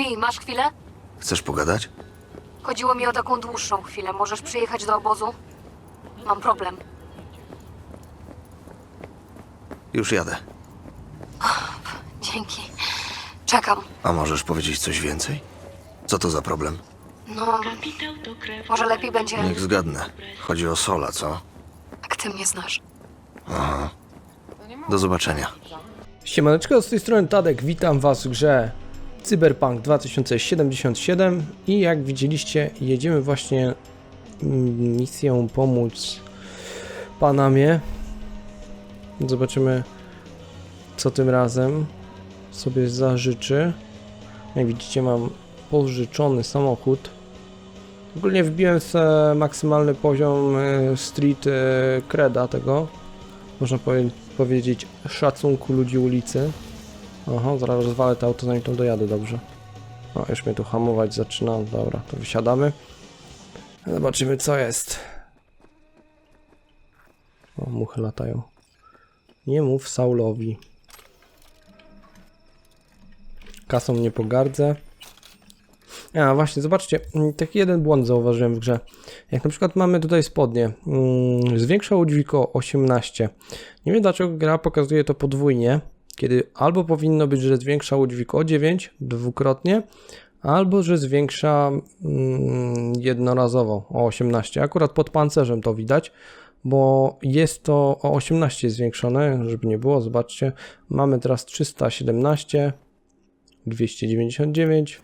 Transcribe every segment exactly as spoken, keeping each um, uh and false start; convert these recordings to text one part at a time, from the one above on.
Lee, masz chwilę? Chcesz pogadać? Chodziło mi o taką dłuższą chwilę. Możesz przyjechać do obozu? Mam problem. Już jadę. Dzięki. Czekam. A możesz powiedzieć coś więcej? Co to za problem? No, może lepiej będzie, Niech zgadnę. Chodzi o Sola, co? jak ty mnie znasz. Aha. Do zobaczenia. Siemaneczko, z tej strony Tadek, witam was w grze Cyberpunk dwa tysiące siedemdziesiąt siedem i jak widzieliście, jedziemy właśnie misją pomóc Panamie. Zobaczymy, co tym razem sobie zażyczy. Jak widzicie, mam pożyczony samochód. Ogólnie wbiłem sobie maksymalny poziom street creda tego, można powie powiedzieć, szacunku ludzi ulicy. Aha, zaraz rozwalę to auto, zanim to dojadę, dobrze. O, już mnie tu hamować zaczyna, dobra, to wysiadamy. Zobaczymy, co jest. O, muchy latają. Nie mów Saulowi. Kasą nie pogardzę. A właśnie, zobaczcie, taki jeden błąd zauważyłem w grze. Jak na przykład mamy tutaj spodnie, hmm, zwiększa udźwig o osiemnaście. Nie wiem, dlaczego gra pokazuje to podwójnie, kiedy albo powinno być, że zwiększa udźwig o dziewięć dwukrotnie, albo że zwiększa hmm, jednorazowo o osiemnaście. Akurat pod pancerzem to widać, bo jest to o osiemnaście zwiększone, żeby nie było, zobaczcie. Mamy teraz trzysta siedemnaście, dwieście dziewięćdziesiąt dziewięć.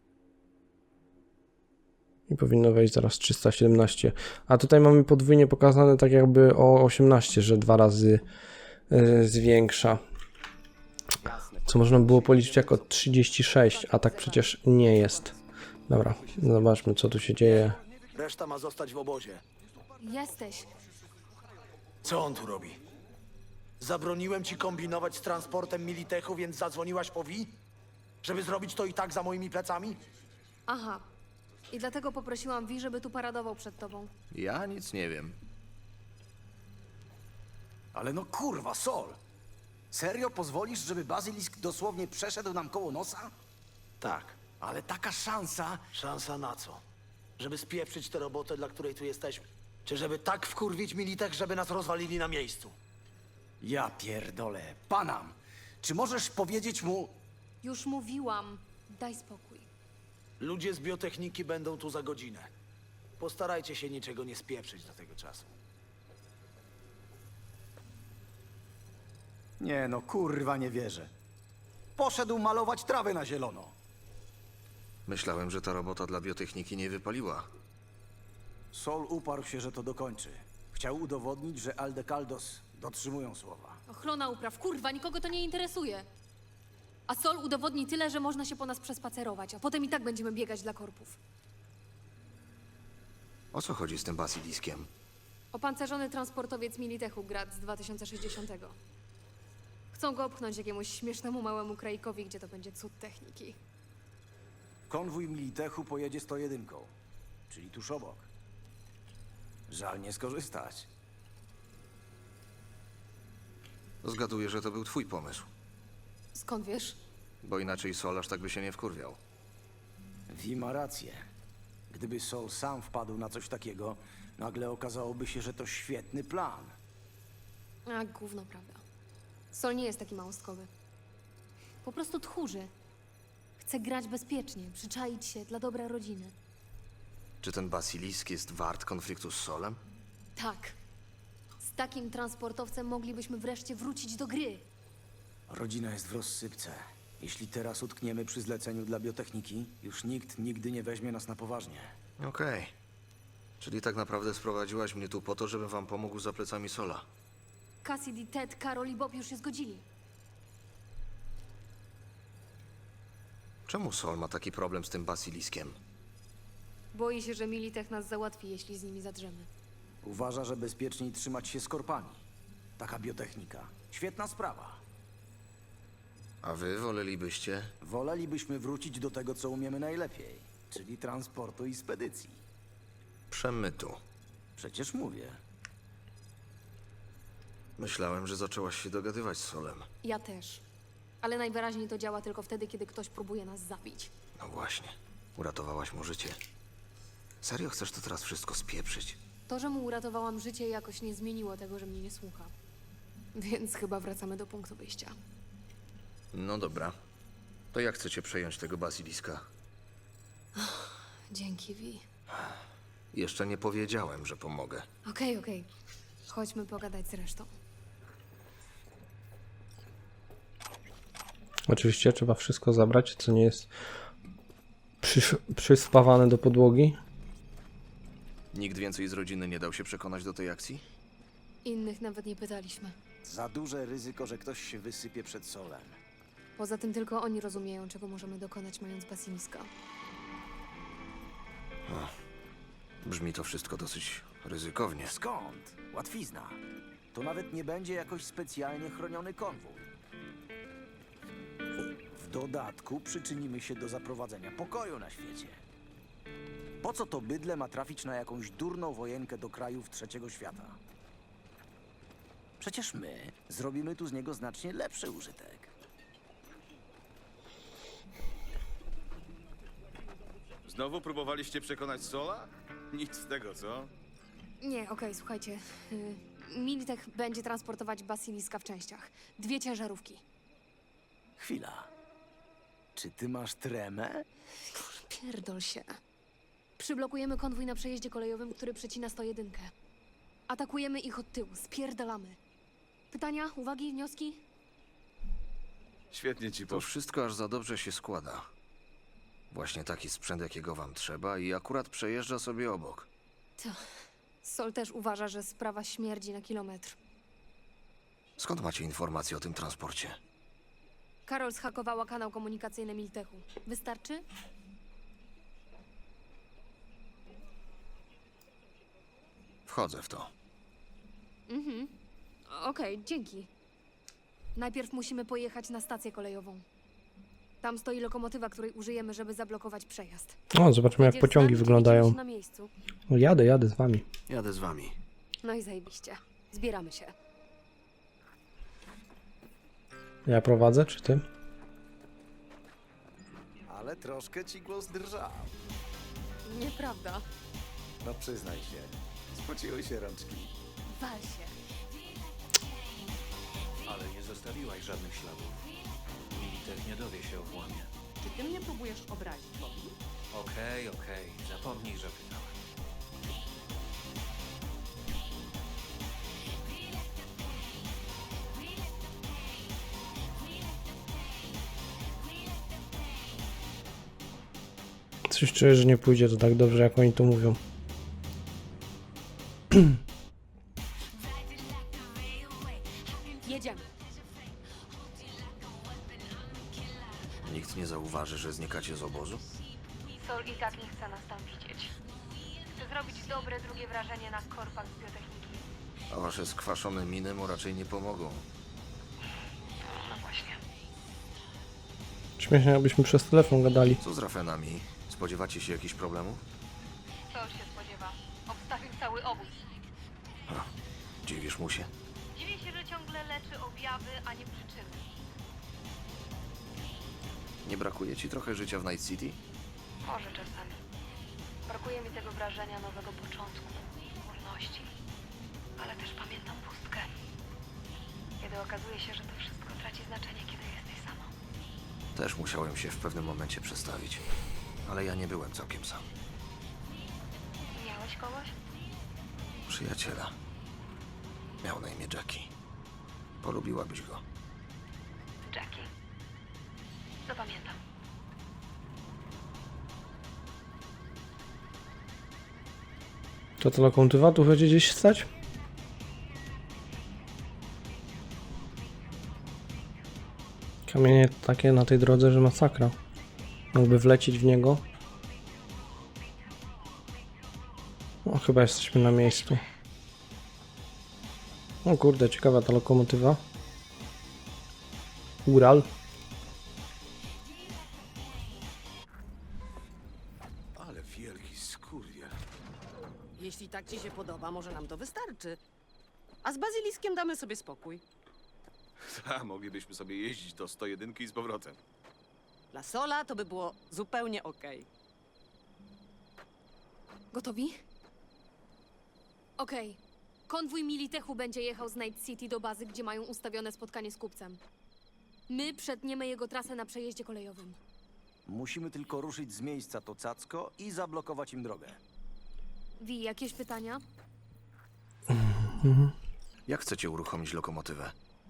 I powinno wejść zaraz trzysta siedemnaście. A tutaj mamy podwójnie pokazane tak jakby o osiemnaście, że dwa razy yy, zwiększa. Co można było policzyć jako trzydzieści sześć, a tak przecież nie jest. Dobra, zobaczmy, co tu się dzieje. Reszta ma zostać w obozie. Jesteś. Co on tu robi? Zabroniłem ci kombinować z transportem Militechu, więc zadzwoniłaś po Wi? Żeby zrobić to i tak za moimi plecami? Aha. I dlatego poprosiłam Wi, żeby tu paradował przed tobą. Ja nic nie wiem. Ale no kurwa, Sol! Serio pozwolisz, żeby Bazylisk dosłownie przeszedł nam koło nosa? Tak. Ale taka szansa... Szansa na co? Żeby spieprzyć tę robotę, dla której tu jesteśmy? Czy żeby tak wkurwić Militech, żeby nas rozwalili na miejscu? Ja pierdolę. Panam, czy możesz powiedzieć mu... Już mówiłam. Daj spokój. Ludzie z biotechniki będą tu za godzinę. Postarajcie się niczego nie spieprzyć do tego czasu. Nie no, kurwa, nie wierzę. Poszedł malować trawę na zielono. Myślałem, że ta robota dla biotechniki nie wypaliła. Sol uparł się, że to dokończy. Chciał udowodnić, że Aldecaldos dotrzymują słowa. Ochrona upraw, kurwa, nikogo to nie interesuje. A Sol udowodni tyle, że można się po nas przespacerować, a potem i tak będziemy biegać dla korpów. O co chodzi z tym basiliskiem? Opancerzony transportowiec Militechu Grad z dwa tysiące sześćdziesiątego. Chcą go opchnąć jakiemuś śmiesznemu małemu kraikowi, gdzie to będzie cud techniki. Konwój Militechu pojedzie sto jeden, czyli tuż obok. Żal nie skorzystać. Zgaduję, że to był twój pomysł, Skąd wiesz? bo inaczej Sol aż tak by się nie wkurwiał. Wi ma rację. Gdyby Sol sam wpadł na coś takiego, nagle okazałoby się, że to świetny plan. A, gówno, prawda. Sol nie jest taki małostkowy. Po prostu tchórzy. Chce grać bezpiecznie, przyczaić się dla dobra rodziny. Czy ten basilisk jest wart konfliktu z Solem? Tak. Z takim transportowcem moglibyśmy wreszcie wrócić do gry. Rodzina jest w rozsypce. Jeśli teraz utkniemy przy zleceniu dla biotechniki, już nikt nigdy nie weźmie nas na poważnie. Okej. Czyli tak naprawdę sprowadziłaś mnie tu po to, żebym wam pomógł za plecami Sola. Cassidy, Ted, Karol i Bob już się zgodzili. Czemu Sol ma taki problem z tym basiliskiem? Boi się, że Militech nas załatwi, jeśli z nimi zadrzemy. Uważa, że bezpieczniej trzymać się z korpami. Taka biotechnika. Świetna sprawa. A wy wolelibyście? Wolelibyśmy wrócić do tego, co umiemy najlepiej, czyli transportu i spedycji. Przemytu. Przecież mówię. Myślałem, że zaczęłaś się dogadywać z Solem. Ja też. Ale najwyraźniej to działa tylko wtedy, kiedy ktoś próbuje nas zabić. No właśnie, uratowałaś mu życie. Serio chcesz to teraz wszystko spieprzyć? To, że mu uratowałam życie, jakoś nie zmieniło tego, że mnie nie słucha. Więc chyba wracamy do punktu wyjścia. No dobra. To jak chcecie przejąć tego basiliska? Dzięki, Vi. Jeszcze nie powiedziałem, że pomogę. Okej, okej. Chodźmy pogadać z resztą. Oczywiście trzeba wszystko zabrać, co nie jest przysz- przyspawane do podłogi. Nikt więcej z rodziny nie dał się przekonać do tej akcji? Innych nawet nie pytaliśmy. Za duże ryzyko, że ktoś się wysypie przed Solem. Poza tym tylko oni rozumieją, czego możemy dokonać, mając basiliska. Brzmi to wszystko dosyć ryzykownie. Skąd? Łatwizna. To nawet nie będzie jakoś specjalnie chroniony konwój. W dodatku przyczynimy się do zaprowadzenia pokoju na świecie. Po co to bydle ma trafić na jakąś durną wojenkę do krajów trzeciego świata? Przecież my zrobimy tu z niego znacznie lepszy użytek. Znowu próbowaliście przekonać Sola? Nic z tego, co? Nie, okej, słuchajcie. Yy, Militech będzie transportować basiliska w częściach. Dwie ciężarówki. Chwila. Czy ty masz tremę? Pierdol się. Przyblokujemy konwój na przejeździe kolejowym, który przecina sto jeden. Atakujemy ich od tyłu, spierdalamy. Pytania, uwagi, wnioski? Świetnie ci To poszło. wszystko aż za dobrze się składa. Właśnie taki sprzęt, jakiego wam trzeba i akurat przejeżdża sobie obok. To... Sol też uważa, że sprawa śmierdzi na kilometr. Skąd macie informacje o tym transporcie? Karol zhakowała kanał komunikacyjny Militechu. Wystarczy? Wchodzę w to. Mhm. Okej, dzięki. Najpierw musimy pojechać na stację kolejową. Tam stoi lokomotywa, której użyjemy, żeby zablokować przejazd. O, zobaczmy jak Jedziesz z pociągi nami, czy wyglądają. widzimy się na miejscu? O, jadę, jadę z wami. Jadę z wami. No i zajebiście. Zbieramy się. Ja prowadzę, czy ty? Ale troszkę ci głos drżał. Nieprawda. No przyznaj się. Spociły się rączki. Wal się. Ale nie zostawiłaś żadnych śladów. Militech nie dowie się o włamie. Czy ty mnie próbujesz obrazić, Bobby? Okej, okej, zapomnij, że pytałem. Coś czuję, że nie pójdzie to tak dobrze, jak oni to mówią. Jedziemy. Nikt nie zauważy, że znikacie z obozu? Sol i tak nie chce nas tam widzieć. Chce zrobić dobre drugie wrażenie na korpach z biotechniki. A wasze skwaszone miny mu raczej nie pomogą. No właśnie. Śmiesznie, jakbyśmy przez telefon gadali. Co z rafenami? Spodziewacie się jakichś problemów? Sol się spodziewa. Obstawił cały obóz. Dziwisz mu się? Dziwi się, że ciągle leczy objawy, a nie przyczyny. Nie brakuje ci trochę życia w Night City? Może czasami. Brakuje mi tego wrażenia nowego początku, wolności. Ale też pamiętam pustkę. Kiedy okazuje się, że to wszystko traci znaczenie, kiedy jesteś sama. Też musiałem się w pewnym momencie przestawić. Ale ja nie byłem całkiem sam. Miałeś kogoś? Przyjaciela. Miał na imię Jackie. Polubiłabyś go. Jackie. Zapamiętam. To ta lokomotywa tu będzie gdzieś stać? Kamienie takie na tej drodze, że masakra. Mógłby wlecieć w niego. No chyba jesteśmy na miejscu. O kurde, ciekawa ta lokomotywa. Ural. Ale wielki skurwiel. Jeśli tak ci się podoba, może nam to wystarczy. A z bazyliskiem damy sobie spokój. Ta, moglibyśmy sobie jeździć do sto jeden i z powrotem. Dla Sola to by było zupełnie okej. Gotowi? Okej. Konwój Militechu będzie jechał z Night City do bazy, gdzie mają ustawione spotkanie z kupcem. My przetniemy jego trasę na przejeździe kolejowym. Musimy tylko ruszyć z miejsca to cacko i zablokować im drogę. Wi, jakieś pytania? Jak chcecie uruchomić lokomotywę?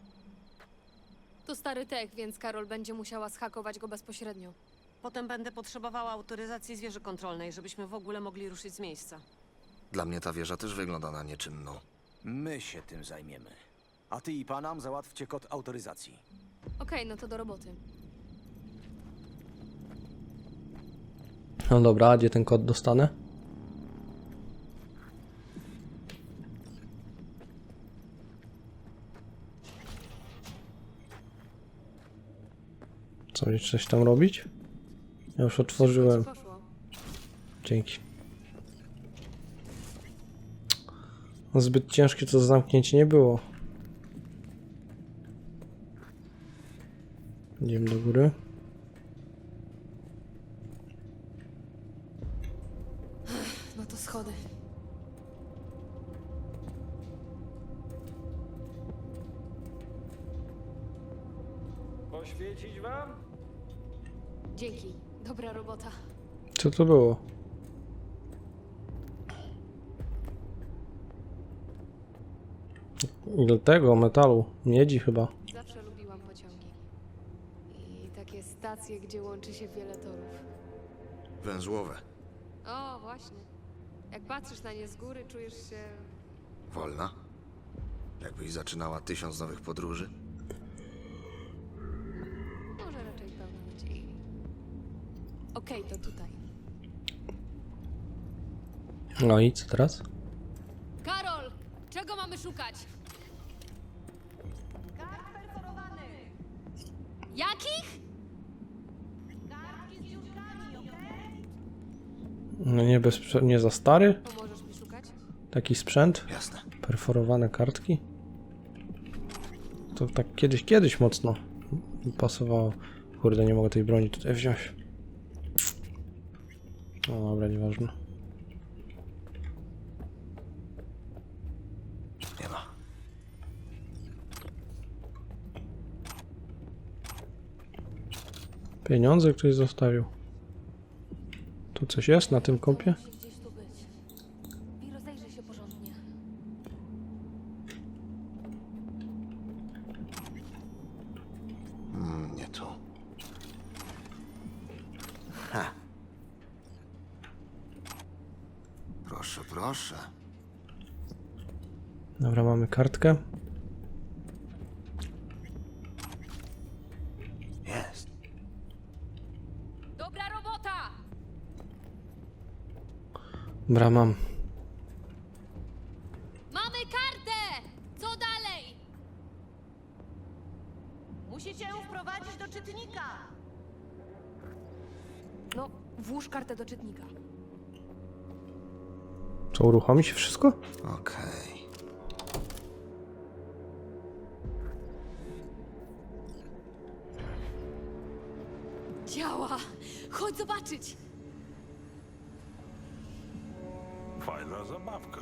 To stary tech, więc Karol będzie musiała zhakować go bezpośrednio. Potem będę potrzebowała autoryzacji z wieży kontrolnej, żebyśmy w ogóle mogli ruszyć z miejsca. Dla mnie ta wieża też wygląda na nieczynną. My się tym zajmiemy. A ty i Panam załatwcie kod autoryzacji. Okej, no to do roboty. No dobra, a gdzie ten kod dostanę? Co, jeszcze coś tam robić? Ja już otworzyłem. Poszło. Dzięki. No zbyt ciężkie to zamknięcie nie było. Idziemy do góry. No to schody. Poświecić wam? Dzięki. Dobra robota. Co to było? Ile tego metalu? Miedzi chyba. Zawsze lubiłam pociągi. I takie stacje, gdzie łączy się wiele torów. Węzłowe. O, właśnie. Jak patrzysz na nie z góry, czujesz się... Wolna? Jakbyś zaczynała tysiąc nowych podróży? Może raczej pełna nadziei. Okej, to tutaj. No i co teraz? Karol! Czego mamy szukać? Jakich? No nie, bez, nie za stary? Pomożesz mi szukać? Taki sprzęt? Jasne. Perforowane kartki? To tak kiedyś, kiedyś mocno pasowało. Kurde, nie mogę tej broni tutaj wziąć. No dobra, nieważne. Nie ma. Pieniądze ktoś zostawił. Tu coś jest na tym kompie? Musi gdzieś tu być. I rozejrzyj się porządnie. Mm, nie tu. Ha. Proszę, proszę. Dobra, mamy kartkę. Jest. Dobra robota! Dobra, mam. Mamy kartę! Co dalej? Musicie ją wprowadzić do czytnika! No, włóż kartę do czytnika. Co, uruchomi się wszystko? Okej. Działa! Chodź zobaczyć! Fajna zabawka.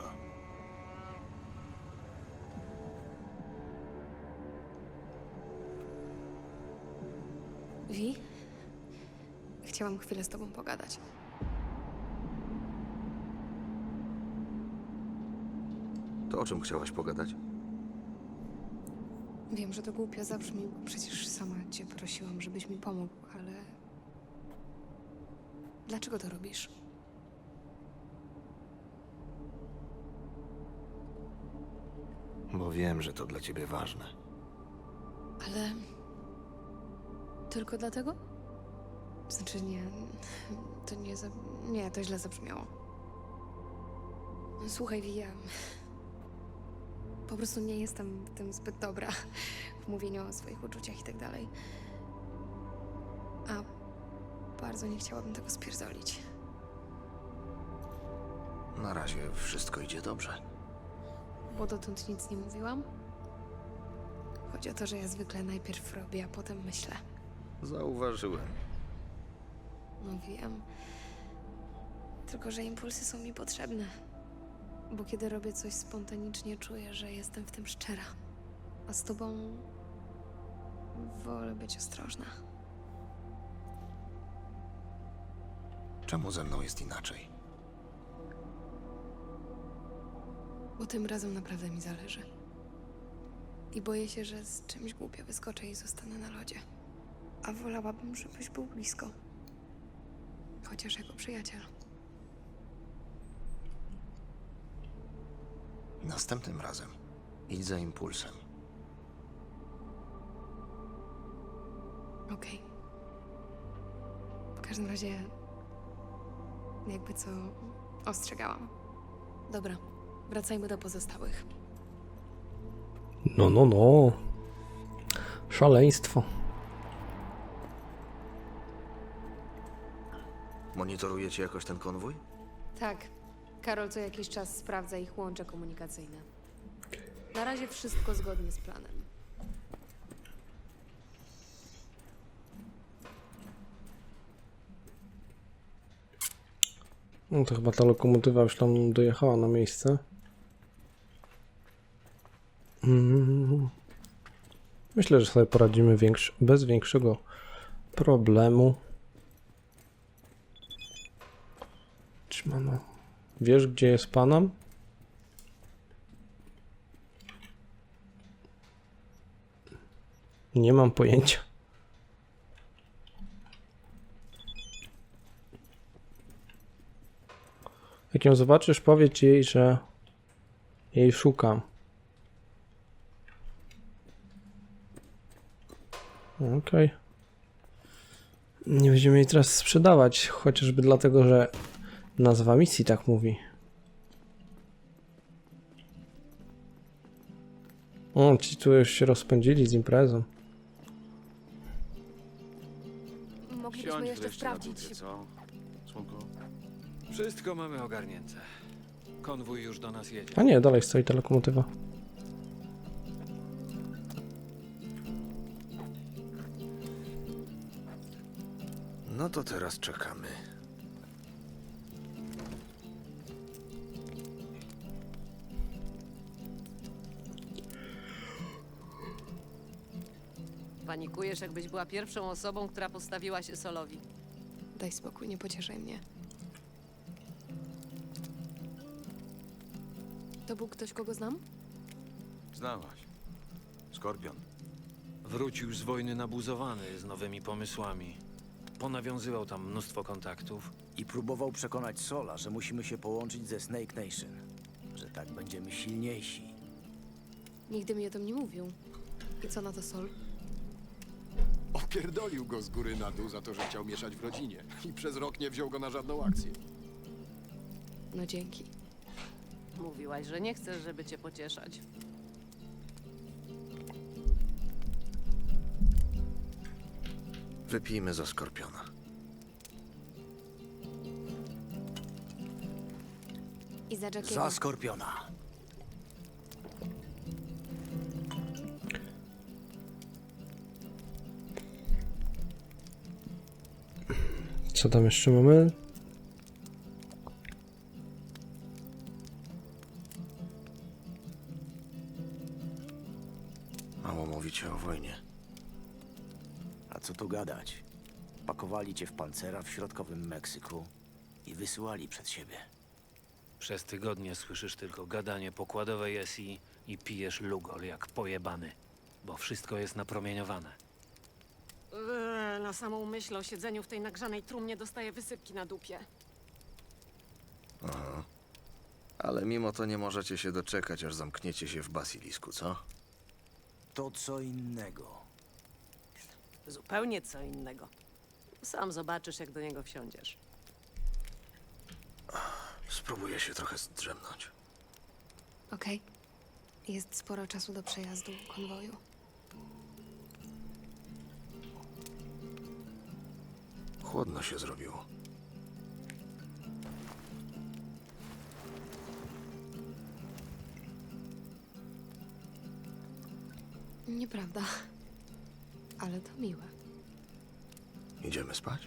Wi? Chciałam chwilę z tobą pogadać. To o czym chciałaś pogadać? Wiem, że to głupio zabrzmi, bo przecież sama cię prosiłam, żebyś mi pomógł, ale... Dlaczego to robisz? Bo wiem, że to dla ciebie ważne. Ale... Tylko dlatego? Znaczy nie... To nie za... Nie, to źle zabrzmiało. Słuchaj, Wi, ja... Po prostu nie jestem w tym zbyt dobra. W mówieniu o swoich uczuciach i tak dalej. A bardzo nie chciałabym tego spierdolić. Na razie wszystko idzie dobrze. Bo dotąd nic nie mówiłam? Choć Chodzi o to, że ja zwykle najpierw robię, a potem myślę. Zauważyłem. No wiem. Tylko, że impulsy są mi potrzebne. Bo kiedy robię coś spontanicznie, czuję, że jestem w tym szczera. A z tobą wolę być ostrożna. Czemu ze mną jest inaczej? Bo tym razem naprawdę mi zależy. I boję się, że z czymś głupio wyskoczę i zostanę na lodzie. A wolałabym, żebyś był blisko. Chociaż jako przyjaciel. Następnym razem idź za impulsem. Okej. W każdym razie, jakby co, ostrzegałam. Dobra, wracajmy do pozostałych. No, no, no. Szaleństwo. Monitorujecie jakoś ten konwój? Tak. Karol co jakiś czas sprawdza ich łącze komunikacyjne. Na razie wszystko zgodnie z planem. No to chyba ta lokomotywa już tam dojechała na miejsce. Mm. Myślę, że sobie poradzimy większy, bez większego problemu. Trzymano. Wiesz, gdzie jest Panam? Nie mam pojęcia. Jak ją zobaczysz, powiedz jej, że jej szukam. Okej. Okay. Nie będziemy jej teraz sprzedawać, chociażby dlatego, że nazwa misji tak mówi. O, ci tu już się rozpędzili z imprezą. Moglibyśmy Siądź jeszcze wreszcie na sprawdzić. budzie, co? Słonko? Wszystko mamy ogarnięte. Konwój już do nas jedzie. A nie, dalej stoi ta lokomotywa. No to teraz czekamy. Panikujesz, jakbyś była pierwszą osobą, która postawiła się Solowi. Daj spokój, nie pocieszaj mnie. To był ktoś, kogo znam? Znałaś. Skorpion. Wrócił z wojny nabuzowany z nowymi pomysłami. Ponawiązywał tam mnóstwo kontaktów. I próbował przekonać Sola, że musimy się połączyć ze Snake Nation. Że tak będziemy silniejsi. Nigdy mi o tym nie mówił. I co na to Sol? Opierdolił go z góry na dół za to, że chciał mieszać w rodzinie. I przez rok nie wziął go na żadną akcję. No dzięki. Mówiłaś, że nie chcesz, żeby cię pocieszać. Wypijmy za Skorpiona. I za Jackiego. Za Skorpiona. Co tam jeszcze mamy? Mało mówicie o wojnie. A co tu gadać? Pakowali cię w pancera w środkowym Meksyku i wysyłali przed siebie. Przez tygodnie słyszysz tylko gadanie pokładowej S I i pijesz lugol jak pojebany. Bo wszystko jest napromieniowane. Eee, na samą myśl o siedzeniu w tej nagrzanej trumnie dostaję wysypki na dupie. Aha. Ale mimo to nie możecie się doczekać, aż zamkniecie się w basilisku, co? To co innego. Zupełnie co innego. Sam zobaczysz, jak do niego wsiądziesz. Spróbuję się trochę zdrzemnąć. Okej. Jest sporo czasu do przejazdu konwoju. Chłodno się zrobiło. Nieprawda. Ale to miłe. Idziemy spać?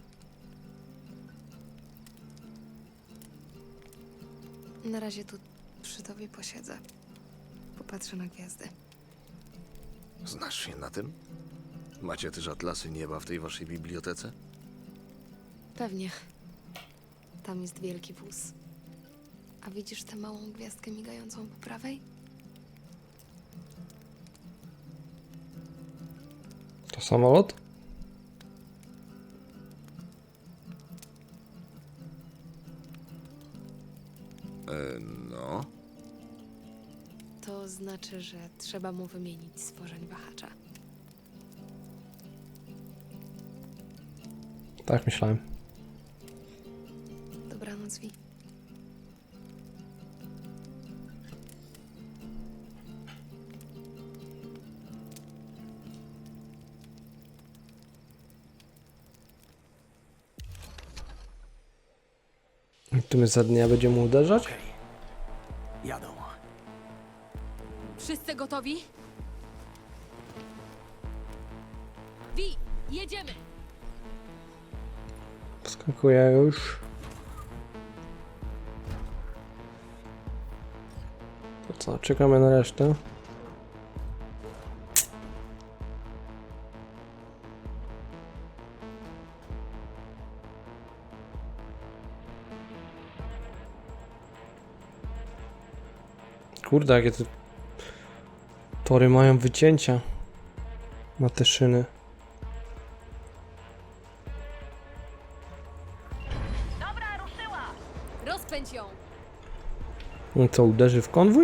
Na razie tu przy tobie posiedzę. Popatrzę na gwiazdy. Znasz się na tym? Macie też atlasy nieba w tej waszej bibliotece? Pewnie. Tam jest wielki wóz. A widzisz tę małą gwiazdkę migającą po prawej? To samolot? E, no. To znaczy, że trzeba mu wymienić stworzeń wahacza. Tak myślałem. Dobranoc, Vi. I tu my za dnia będziemy uderzać? Okej. Jadą. Wszyscy gotowi? Wi, jedziemy! Wskakuję już. To co, czekamy na resztę. Kurde, jakie te tory mają wycięcia na te szyny. Rozpędź ją! No co, uderzy w konwój?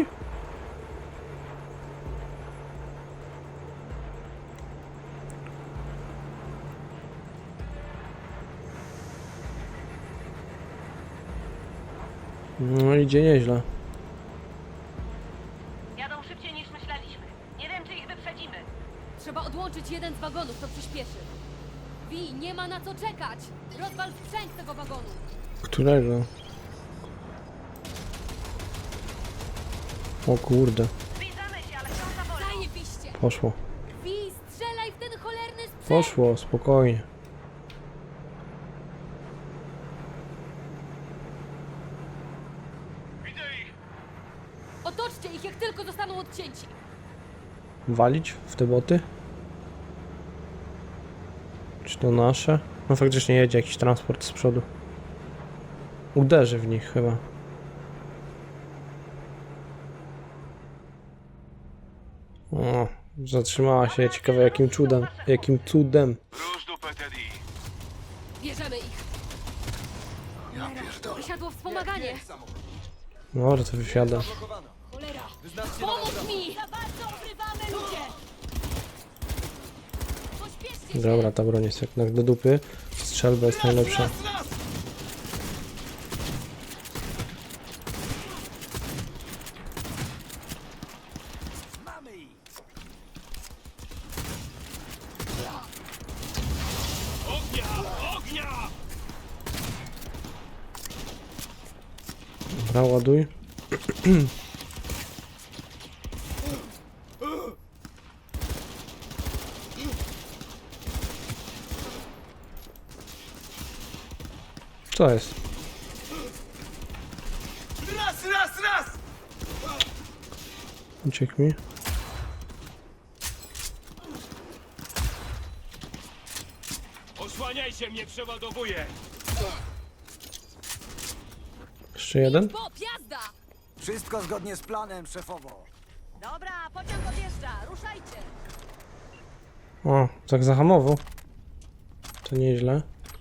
No idzie nieźle. Jadą szybciej niż myśleliśmy. Nie wiem, czy ich wyprzedzimy. Trzeba odłączyć jeden z wagonów, to przyspieszy. Wi, nie ma na co czekać! Rozwal sprzęt tego wagonu! Którego? O kurde, Zbliżamy się, ale wciąż za wolno. Zajebiście! poszło. Wi, strzelaj w ten cholerny sprzęt! Poszło, spokojnie. Otoczcie ich, jak tylko zostaną odcięci! Walić w te boty? Czy to nasze? No faktycznie jedzie jakiś transport z przodu. Uderzy w nich chyba. O, zatrzymała się. Ciekawe jakim cudem. Jakim cudem. Bierzemy ich! Ja pierdolę. Wysiadło wspomaganie! No, to wysiada. Cholera! Pomóż mi! Za bardzo ukrywamy ludzie! Pośpieszcie się! Dobra, ta broń jest jednak do dupy. Strzelba jest najlepsza. Mamy ich! Dobra, ładuj. Co jest? Raz, raz, raz! Uciekł mi. Osłaniajcie mnie, przeładowuję! Jeszcze jeden? Bo, jazda! Wszystko zgodnie z planem, szefowo. Dobra, pociąg odjeżdża. Ruszajcie. O, tak zahamował. To nieźle.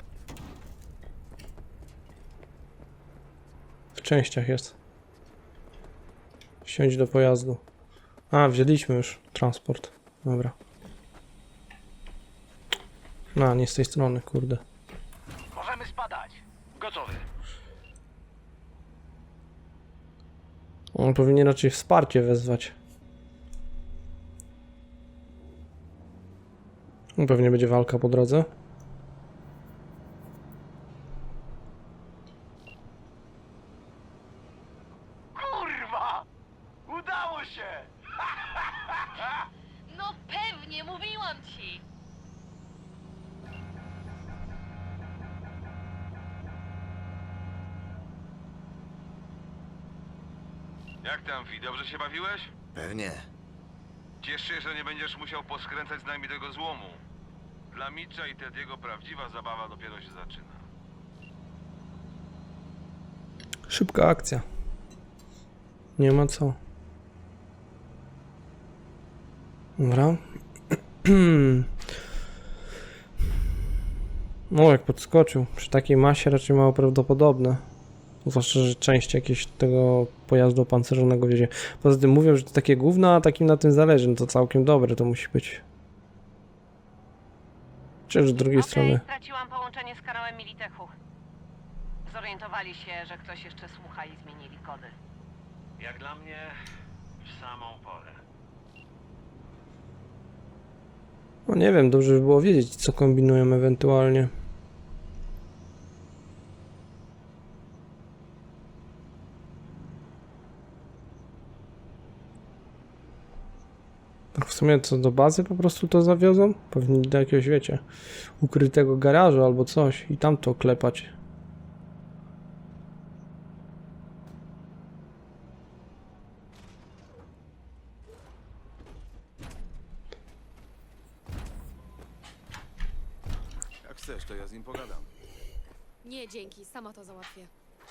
W częściach jest. Wsiądź do pojazdu. A, wzięliśmy już transport. Dobra. No, nie z tej strony, kurde. Możemy spadać. Gotowy. On powinien raczej wsparcie wezwać. No, pewnie będzie walka po drodze. Kurwa! Udało się! No Mówiłam ci! Jak tam, Fi? Dobrze się bawiłeś? Pewnie. Ciesz się, że nie będziesz musiał poskręcać z nami tego złomu. Dla Mitcha i Tediego prawdziwa zabawa dopiero się zaczyna. Szybka akcja. Nie ma co. Dobra. No, jak podskoczył. Przy takiej masie raczej mało prawdopodobne. Zwłaszcza, że część jakiegoś tego pojazdu opancerzonego wiezie. Poza tym mówią, że to takie gówno, a takim na tym zależy. No to całkiem dobre to musi być. Czy z drugiej strony. Straciłam połączenie z kanałem Militechu. Zorientowali się, że ktoś jeszcze słucha i zmienili kody. Jak dla mnie, w samą porę. No nie wiem, dobrze by było wiedzieć, co kombinują ewentualnie. Tak w sumie co do bazy po prostu to zawiozą? Pewnie do jakiegoś, wiecie, ukrytego garażu albo coś i tam to klepać. Jak chcesz, to ja z nim pogadam. Nie, dzięki, sama to załatwię.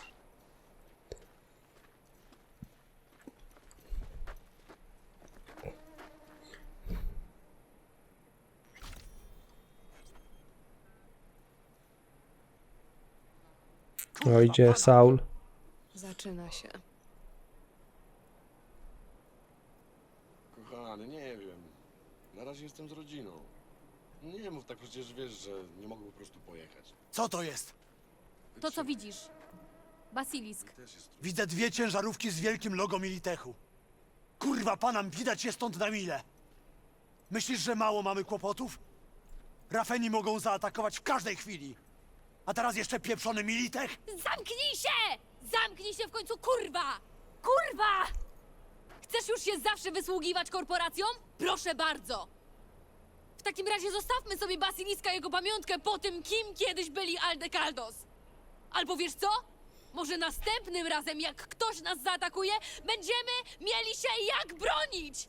O, idzie Saul. Zaczyna się. Kochany, nie wiem. Na razie jestem z rodziną. Nie mów tak, przecież wiesz, że nie mogę po prostu pojechać. Co to jest? To, co widzisz. Basilisk. Też jest... Widzę dwie ciężarówki z wielkim logo Militechu. Kurwa, panam, widać je stąd na mile. Myślisz, że mało mamy kłopotów? Rafeni mogą zaatakować w każdej chwili. A teraz jeszcze pieprzony Militech? Zamknij się! Zamknij się w końcu, kurwa! Kurwa! Chcesz już się zawsze wysługiwać korporacjom? Proszę bardzo! W takim razie zostawmy sobie Basiliska i jego pamiątkę po tym, kim kiedyś byli Aldekaldos. Albo wiesz co? Może następnym razem, jak ktoś nas zaatakuje, będziemy mieli się jak bronić!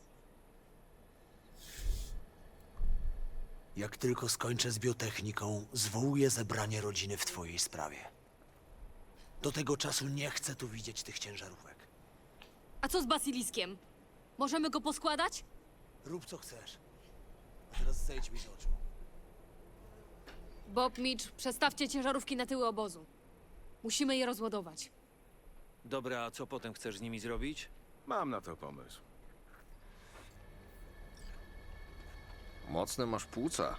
Jak tylko skończę z biotechniką, zwołuję zebranie rodziny w twojej sprawie. Do tego czasu nie chcę tu widzieć tych ciężarówek. A co z Basiliskiem? Możemy go poskładać? Rób co chcesz. A teraz zejdź mi z oczu. Bob, Mitch, przestawcie ciężarówki na tyły obozu. Musimy je rozładować. Dobra, a co potem chcesz z nimi zrobić? Mam na to pomysł. Mocne masz płuca.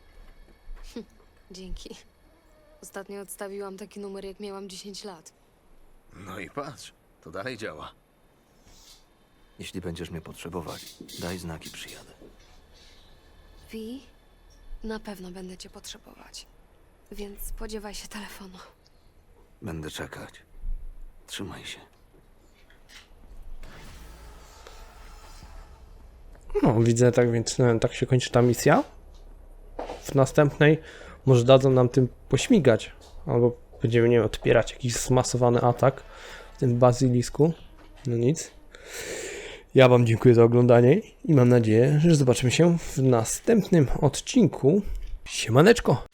Dzięki. Ostatnio odstawiłam taki numer, jak miałam dziesięć lat. No i patrz, to dalej działa. Jeśli będziesz mnie potrzebować, daj znaki, przyjadę. Wi, na pewno będę cię potrzebować. Więc spodziewaj się telefonu. Będę czekać. Trzymaj się. No, widzę, tak więc no, tak się kończy ta misja. W następnej może dadzą nam tym pośmigać. Albo będziemy, nie wiem, odpierać jakiś zmasowany atak w tym bazylisku. No nic. Ja wam dziękuję za oglądanie i mam nadzieję, że zobaczymy się w następnym odcinku. Siemaneczko!